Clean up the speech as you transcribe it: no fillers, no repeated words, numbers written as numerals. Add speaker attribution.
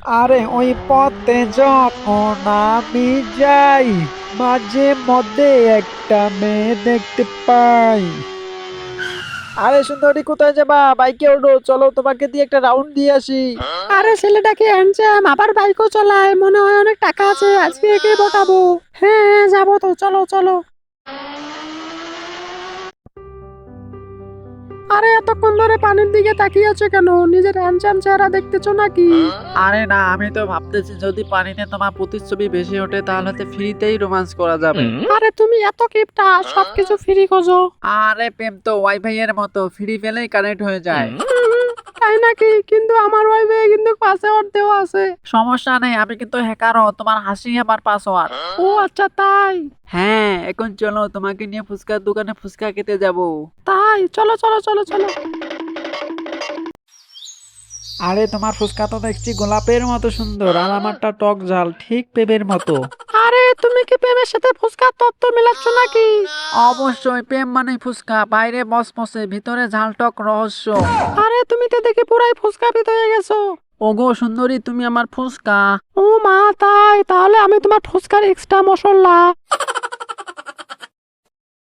Speaker 1: আরে ওই পথে যখন আমি যাই, মাঝে মধ্যে একটা মেয়ে দেখতে পাই। আরে সুন্দরী, কোথায় যাবা? বাইকে ওঠো, চলো তোমাকে দিয়ে একটা রাউন্ড দিয়ে আসি।
Speaker 2: আরে ছেলেটা কি হ্যান্ডসাম, আবার বাইকও চালায়, মনে হয় অনেক টাকা আছে, আজকে একে পটাবো। হ্যাঁ হ্যাঁ, যাবো তো, চলো চলো। আরে এতক্ষণ ধরে পানির দিকে তাকিয়ে আছো কেন? নিজের হ্যান্ডসাম চেহারা দেখতেছো নাকি?
Speaker 1: আরে না, আমি তো ভাবতেছি যদি পানিতে তোমার প্রতিচ্ছবি বেশি ওঠে তাহলে তো ফ্রিতেই রোমান্স করা যাবে।
Speaker 2: আরে তুমি এত কিপটা, সবকিছু ফ্রি খোঁজো।
Speaker 1: আরে প্রেম তো ওয়াইফাই এর মতো, ফ্রি পেলেই কানেক্ট হয়ে যায়।
Speaker 2: তাই নাকি? কিন্তু আমার ওয়াইফাই কিন্তু পাসওয়ার্ড দেওয়া আছে।
Speaker 1: সমস্যা নেই, আমি কিন্তু হ্যাকারও, তোমার হাসি আমার পাসওয়ার্ড।
Speaker 2: ও আচ্ছা, তাই?
Speaker 1: হ্যাঁ, এখন চলো তোমাকে নিয়ে ফুচকার দোকানে ফুচকা খেতে যাব।
Speaker 2: তাই চলো চলো চলো চলো।
Speaker 1: আরে তোমার ফুচকা তো দেখছি গোলাপের মতো সুন্দর, আর আমারটা টক ঝাল, ঠিক পেঁপের মতো।
Speaker 2: আরে তুমি কি প্রেমের সাথে ফুসকার তত্ত্ব মিলাচ্ছ নাকি?
Speaker 1: অবশ্যই, প্রেম মানে ফুচকা, বাইরে মসমসে, ভিতরে ঝালটক রহস্য।
Speaker 2: আরে তুমি তো দেখি পুরাই ফুসকা পিত হয়ে গেছো।
Speaker 1: ওগো সুন্দরী, তুমি আমার ফুচকা।
Speaker 2: ও মা, তাই? তাহলে আমি তোমার ফুসকার এক্সট্রা মশলা।